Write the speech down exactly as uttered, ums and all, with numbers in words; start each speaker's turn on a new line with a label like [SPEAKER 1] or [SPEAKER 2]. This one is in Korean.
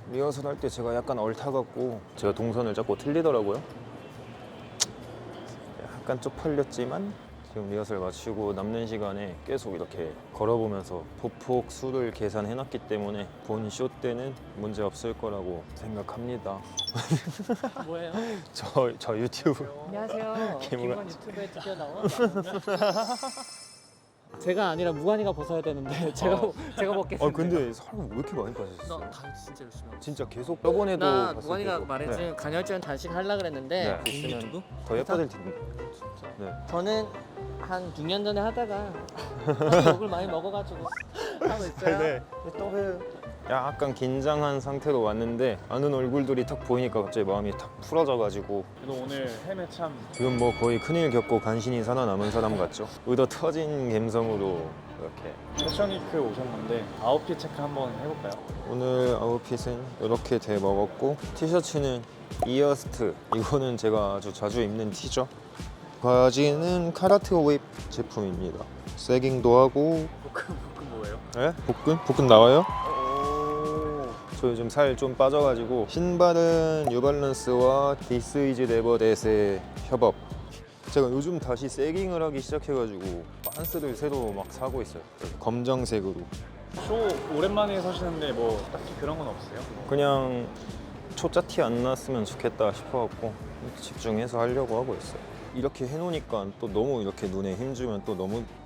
[SPEAKER 1] 리허설 할 때 제가 약간 얼타갖고 제가 동선을 잡고 틀리더라고요. 약간 쪽팔렸지만 지금 리허설 마치고 남는 시간에 계속 이렇게 걸어보면서 보폭 수를 계산해놨기 때문에 본 쇼 때는 문제 없을 거라고 생각합니다.
[SPEAKER 2] 뭐예요?
[SPEAKER 1] 저, 저 유튜브
[SPEAKER 2] 안녕하세요.
[SPEAKER 1] 김우관.
[SPEAKER 2] 김우관 유튜브에 드디어 나온 제가 아니라 무관이가 벗어야 되는데 제가
[SPEAKER 1] 어.
[SPEAKER 2] 제가 벗겠습니다.
[SPEAKER 1] 아 근데 사람 왜 이렇게 많이 빠졌어요?
[SPEAKER 2] 나 다 진짜 열심히 하고
[SPEAKER 1] 진짜 계속 저번에도
[SPEAKER 2] 나
[SPEAKER 1] 봤을
[SPEAKER 2] 무관이가
[SPEAKER 1] 때도.
[SPEAKER 2] 말했지
[SPEAKER 1] 네.
[SPEAKER 2] 간헐적 단식 하려 그랬는데
[SPEAKER 1] 네.
[SPEAKER 2] 있으면
[SPEAKER 1] 있으면 더 예뻐질 텐데. 네.
[SPEAKER 2] 저는 한 육 년 전에 하다가 욕을 많이 먹어가지고 하고 있어요.
[SPEAKER 1] 네. 또 해요. 약간 긴장한 상태로 왔는데 아는 얼굴들이 딱 보이니까 갑자기 마음이 탁 풀어져가지고
[SPEAKER 3] 그래도 오늘 햄에 참
[SPEAKER 1] 지금 뭐 거의 큰일 겪고 간신히 살아남은 사람 같죠? 의도 터진 감성으로 이렇게
[SPEAKER 3] 패션위크 오셨는데 아웃핏 체크 한번 해볼까요?
[SPEAKER 1] 오늘 아웃핏은 이렇게 돼 먹었고 티셔츠는 이어스트 이거는 제가 아주 자주 입는 티죠. 바지는 카라트 웨입 제품입니다. 세깅도 하고
[SPEAKER 3] 복근 복근 뭐예요?
[SPEAKER 1] 네? 복근? 복근 나와요?
[SPEAKER 3] 오.
[SPEAKER 1] 저 요즘 살 좀 빠져가지고 신발은 뉴발란스와 디스 이즈 네버 댓의 협업. 제가 요즘 다시 세깅을 하기 시작해가지고 반스를 새로 막 사고 있어요. 검정색으로.
[SPEAKER 3] 쇼 오랜만에 서시는데 뭐 딱히 그런 건 없어요?
[SPEAKER 1] 그냥 초짜 티 안 났으면 좋겠다 싶어갖고 집중해서 하려고 하고 있어요. 이렇게 해놓으니까 또 너무 이렇게 눈에 힘주면 또 너무